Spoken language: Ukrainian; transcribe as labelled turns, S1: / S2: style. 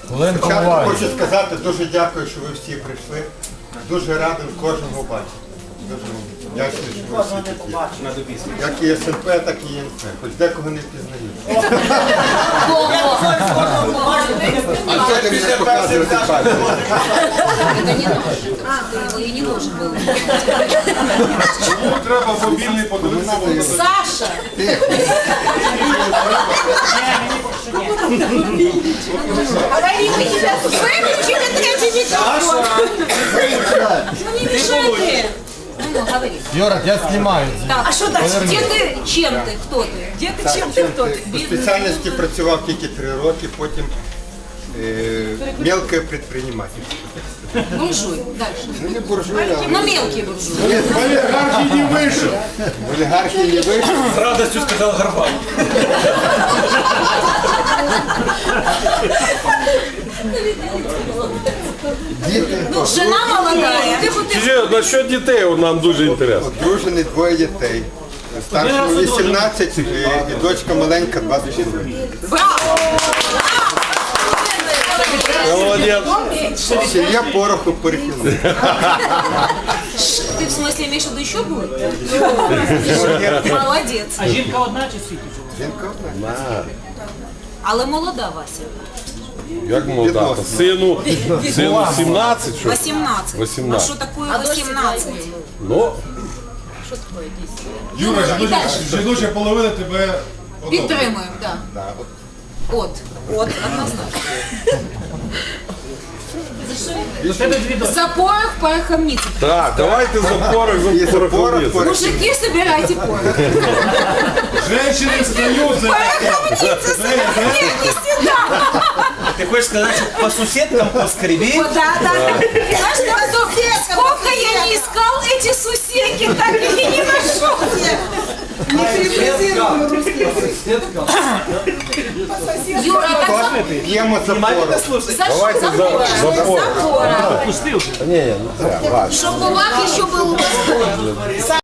S1: Спочатку хочу сказати, дуже дякую, що ви всі прийшли. Дуже радий кожного бачити. Дуже вдячний, що ви всі такі. Як і СНП, так і ЄНП. Хоч декого не впізнають. А це ти мене показувати пальцем.
S2: Не должен был.
S3: Чому треба мобільний подивитися?
S2: Саша! Говори, мы тебя выключили третий микрофон. Ну не мешай. Ну, говори.
S4: Юра, я снимаю.
S2: Так, а что дальше? Где ты? Чем ты? Кто ты? Где ты? Чем ты? Кто ты?
S1: По спеціальності працював тільки 3 роки, потім мелке предпринимательство.
S2: Буржуй. Дальше.
S1: Ну не буржуй, а
S2: Ну мелкий буржуй.
S3: В олігархії не вийшов.
S1: в олігархії не вийшов.
S5: С радостью сказал Горбан.
S2: Ну, жена молодая.
S6: Насчет дітей нам дуже інтересно.
S1: Одружений, 2 дітей. Старшому 18 і дочка маленька 20 років.
S2: Браво!
S6: Молодець.
S1: Сім'я пороху перехилила.
S2: Ты в смысле имеешь в виду еще будет? Молодец.
S7: А жінка одна чи скільки?
S1: Жінка одна.
S2: Але молода Вася.
S6: Як молода? Сину 17, що?
S2: 18.
S6: 18.
S2: А что такое 18?
S6: Ну,
S3: Юра, жіноча половина тебе одобрює.
S2: Підтримуємо, так.
S1: Да, от.
S2: От, однозначно.
S7: У тебе дві дочки.
S2: За порох пороховница.
S6: так, давайте за порох,
S1: І за порох
S6: порох.
S1: порох.
S2: Мужики, собирайте порох.
S3: Женщини встають за...
S2: Пороховница, собирайте. Не сюда.
S5: Ты хочешь сказать, что по соседкам поскреби?
S2: Да. Знаешь, сколько я не искал эти сусеки, так и не нашел. Юра, так
S1: П'ємо за порох.
S6: Давайте за порох.
S2: за порох.
S7: Пустив.
S6: Ні, не треба.
S2: Щоб у вас еще был